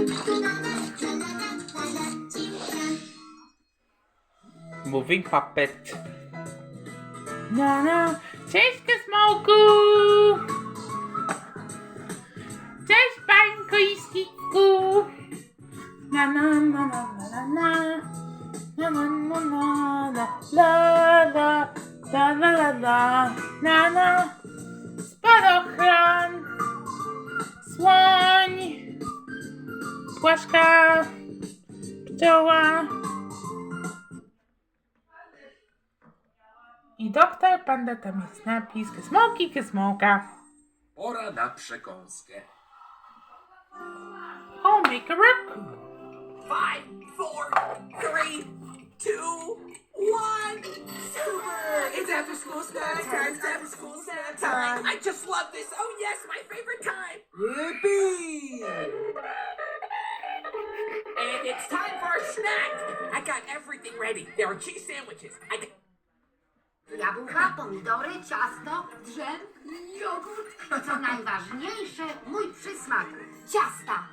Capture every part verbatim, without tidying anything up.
Moving puppet. Na, na. Cześć, Kosmołku! Cześć, Bańko i Skitku! Na, na, na, na, na, na. Na, na, na, na, na. La, la, la, la, la, la. Na, na. Spadochron. Słoń. Płaszka. Pszczoła. I doktor Panda, tam jest napis Kosmołki, Kosmołka. Pora na przekąskę. Oh, make a raccoon. Five, four, three, two, one. Super! It's after school snack time. It's after school snack time. I just love this. Oh yes, my favorite time. Yippee! And it's time for a snack. I got everything ready. There are cheese sandwiches. I got Jabłka, pomidory, ciasto, drzem, jogurt i co najważniejsze, mój przysmak, ciasta.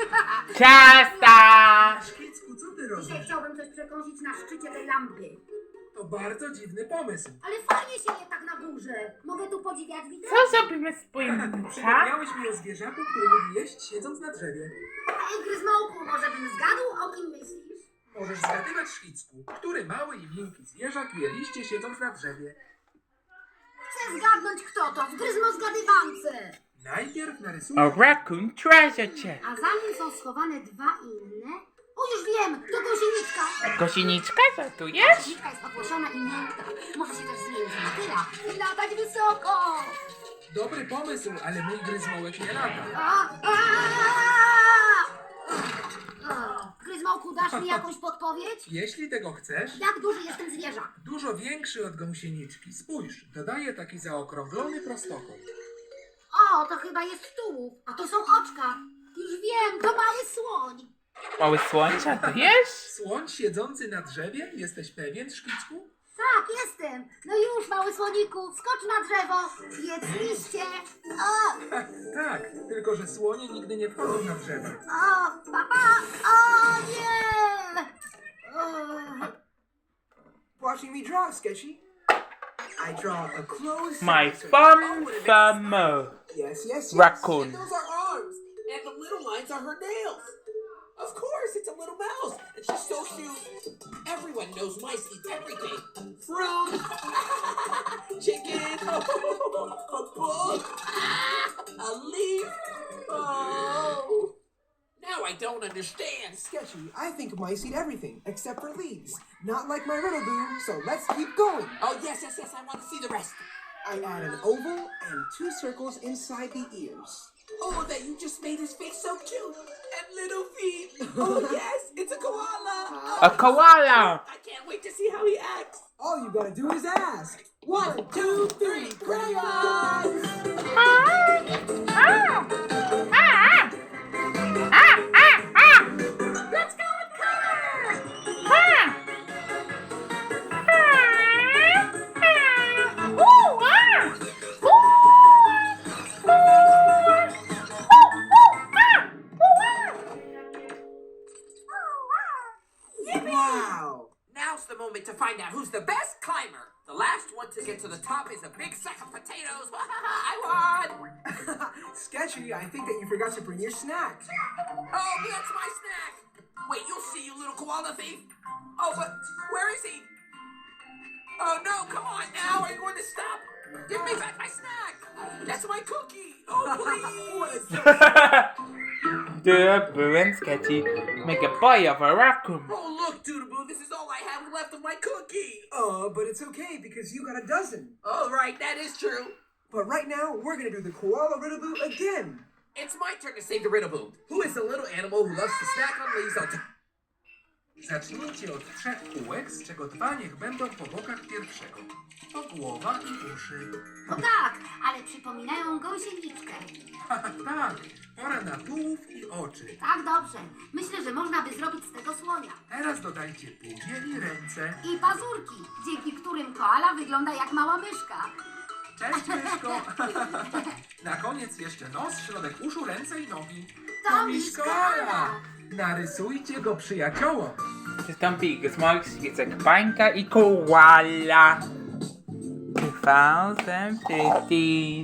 Ciasta! Szkicku, co ty Dzisiaj robisz? chciałbym coś przekąsić na szczycie tej lampy. To bardzo dziwny pomysł. Ale fajnie się je tak na górze. Mogę tu podziwiać widok? Co zrobimy z pojemnicza? Przypomniałeś mi o zwierzaku, który lubi jeść siedząc na drzewie. Ej, Gryzmołku, może bym zgadł, o kim myślisz? Możesz zgadywać, Szkicku, który mały i miękki zwierzak je liście siedząc na drzewie. Chcę zgadnąć, kto to, w Gryzmo zgadywance. Najpierw A narysuję... raccoon treasure chest. A za nim są schowane dwa inne. O, już wiem, to gąsieniczka. Gąsieniczka, żartujesz? Gąsieniczka jest opłoszona i miękka. Może się też zmienić na tyra i latać wysoko. Dobry pomysł, ale mój gryzmołek nie lata. A, a! O, Gryzmołku, dasz mi jakąś podpowiedź? Jeśli tego chcesz, Jak duży jest ten zwierzak? dużo większy od gąsieniczki. Spójrz, dodaje taki zaokrąglony prostokąt. O, to chyba jest tułów, a to są oczka. Już wiem, to mały słoń. Mały słońce, to jest? Słoń siedzący na drzewie? Jesteś pewien, Szkicku? Tak, jestem. No już, mały słoniku, skocz na drzewo. Jedz liście. O, Tak, tylko że słonie nigdy nie wchodzą na drzewa. o, papa. O, nie. O. Watching me draw, Sketchy. I draw a closed My circle. fun famo. Yes, yes, yes. Raccoon. And those are arms. And the little lines are her nails. Of course, it's a little mouse. And she's so cute. Everyone knows mice eat everything. Fruit. Chicken. A book. A leaf. Oh. Now I don't understand. Sketchy, I think mice eat everything except for leaves. Not like my riddle boo, so let's keep going. Oh, yes, yes, yes. I want to see the rest. I add an oval and two circles inside the ears. Oh, that you just made his face so cute. And little feet. Oh, yes. It's a koala. A koala. I can't wait to see how he acts. All you gotta do is ask. One, two, three, crayons! Ah, ah, ah, ah, ah, ah. Let's go with color. Ah. Ah, ah. Ooh, ah. Ooh. Ooh. Wow! Now's the moment to find out who's the best climber. The last one to get to the top is a big sack of potatoes. I won. Sketchy, I think that you forgot to bring your snack. Oh, that's my snack. Wait, you'll see, you little koala thief. Oh, but where is he? Oh, no, come on now. Are you going to stop? Give me back my snack. That's my cookie. Oh, please. The Boo and Sketchy make a boy of a raccoon. Oh, look, Doodaboo, this is all I have left of my cookie. Oh, but it's okay because you got a dozen. Oh, right, that is true. But right now, we're gonna do the koala riddle boo again. It's my turn to save the Riddleboo. Who is the little animal who loves to snack on leaves on top? Zacznijcie od trzech kółek, z czego dwa niech będą po bokach pierwszego. To głowa i uszy. O tak, ale przypominają gąsieniczkę. Tak, pora na tułów i oczy. Tak, dobrze. Myślę, że można by zrobić z tego słonia. Teraz dodajcie buzię i ręce. I pazurki, dzięki którym koala wygląda jak mała myszka. Cześć, myszko. Na koniec jeszcze nos, środek uszu, ręce i nogi. To Miszkola. Narysujcie go przyjaciołom. Przystąpi Smolks, Jacek Bańka i Koala. dwa tysiące piętnaście